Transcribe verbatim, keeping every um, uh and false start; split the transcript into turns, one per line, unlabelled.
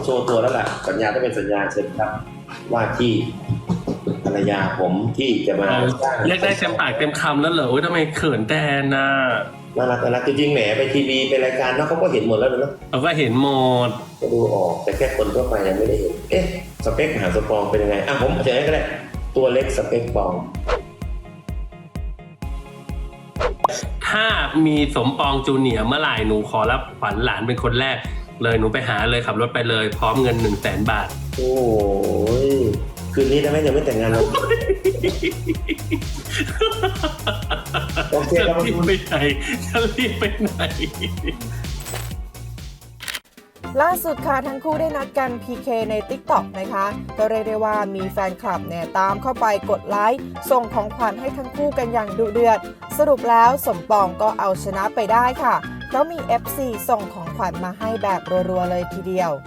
โชว์ตัวแล้วล่ะสัญญาต้องเป็นสัญญาเชิญครับว่าที่ภรรยาผมที่จะมาสร้าง
เรียกได้เต็มปากเต็มคำแล้วเหรอโอ้ยทำไมเขินแทนน่ะ
น่ารักน่ารักจริงๆแหมไปทีวีไปรายการเนาะเขาก็เห็นหมดแล้วเนาะ
เราก็เห็นหมด
ก็ดูออกแต่แค่คนทั่วไปยังไม่ได้เห็นเอ๊ะสเปคมหาสปองเป็นยังไงอ่ะผมเฉยๆก็ได้ตัวเล็กสเปคปอง
ถ้ามีสมปองจูเนียร์เมื่อไหร่หนูขอรับขวัญหลานเป็นคนแรกเลยหนูไปหาเลยขับรถไปเลยพร้อมเงินหนึ่งแสนบาท
โอ้ยคืนนี้ถ้าแม่ยังไม่แต่งงานเราโอเค
จะ
ครับ
รีบไปไหนจะรีบไปไหน
ล่าสุดค่ะทั้งคู่ได้นัดกัน พี เค ใน ติ๊กต็อก นะคะก็เรียกได้ว่ามีแฟนคลับเนี่ยตามเข้าไปกดไลค์ส่งของขวัญให้ทั้งคู่กันอย่างดุเดือดสรุปแล้วสมปองก็เอาชนะไปได้ค่ะเพราะมี เอฟ ซี ส่งของขวัญมาให้แบบรัวๆเลยทีเดียว